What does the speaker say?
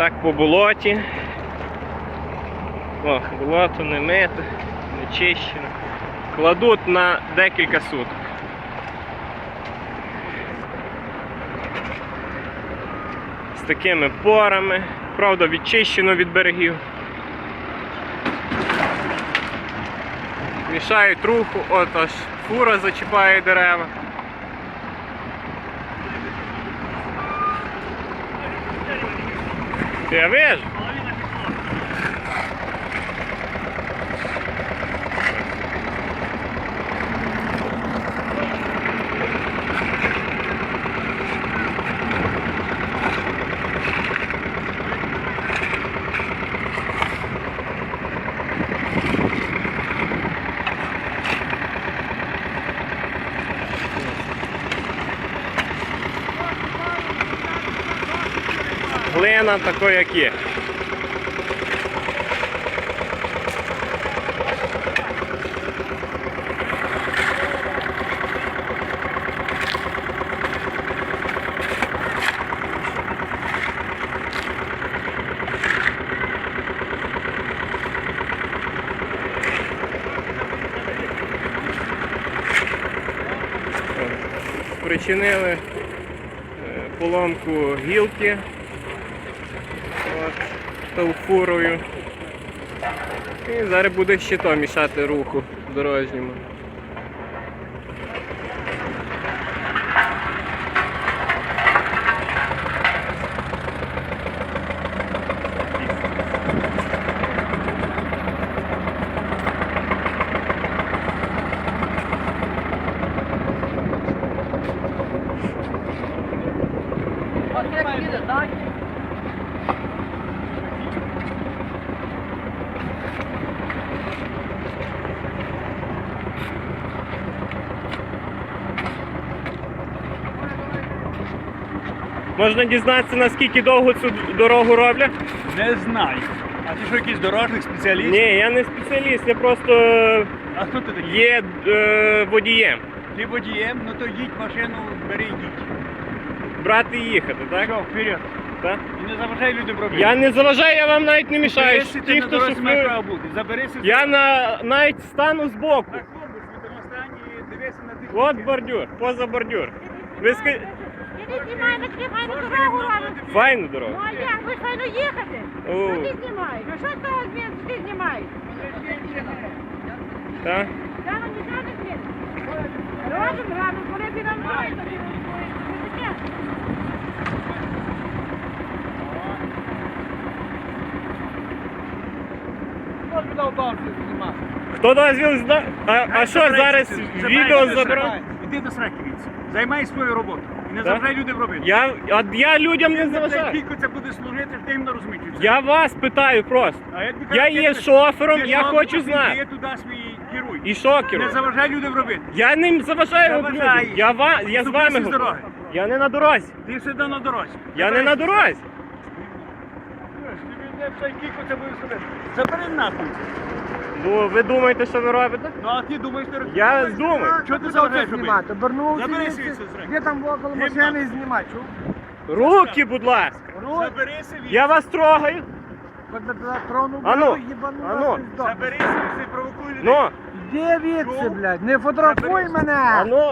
Так по болоті. О, болото не мите, не чищено. Кладуть на декілька суток. З такими порами, правда, відчищено від берегів. Мішають руху, от аж фура зачіпає дерева. Я вижу. Глина такою, як є. Причинили поломку гілки фурою. І зараз буде ще то мішати руху дорожньому. Можна дізнатися, наскільки довго цю дорогу роблять? Не знаю. А ти що, якийсь дорожник, спеціаліст? Ні, я не спеціаліст, я просто А хто ти такий? є водієм. Ти водієм? Ну то їдь машину, бери і їдь. Брати і їхати, так? Що, вперед. Так? І не заважай людям робити. Я не заважаю, я вам навіть не мішаю. Заберися, Ті, ти на хто дорозі має право шофує. бути. Заберися. Я навіть стану збоку. На клубу, світимо стані і дивися на тих. От бордюр, поза бордюр. Ви скажіть, Іди знімай, ми файну дорогу робимо. файну дорогу. Ну а як? Ви ж файно їхати. О. Ну ти знімаєш. Ну що з того змін, ти знімаєш? Так? Та ну нічого не змін. Робимо, робимо, коли ти нам маєш. Хто тобі дав бабці знімати? Хто дозвіл зна? А що зараз відео забирати? Іди до сраки віці. Займай свою роботу. І не Так? заважай людям робити. Я людям не Ти заважаю. Скільки це буде служити, ти їм не розумієш. Я вас питаю просто. А тобі Я кажу, є ти- шофером, ти я шофер, хочу ти знати. Є туди свій керуй. І що Не керую? заважай людям робити. Я не заважаю Заважаєш. людям. Я з вами Зупинися з говорю. дороги. Я не на дорозі. Ти сюди на дорозі. Я не на дорозі. Скільки це буде робити? Забери нахуй. Ну, ви думаєте, що ви робите? Ну а ти думаєш, ти робиш? Я думаю. Що ти заважаєш робити? знімати? Обернувся, Забери звідси, свій зрек. де там около машини і знімати. Чув? Руки, будь ласка. Забери собі. Я вас трогаю. Коли туди тронув, Ану, їбану ану. вас пиздок. Забери собі, провокуй людей. Ну, Де відси, блядь? Не фотографуй мене! а ну.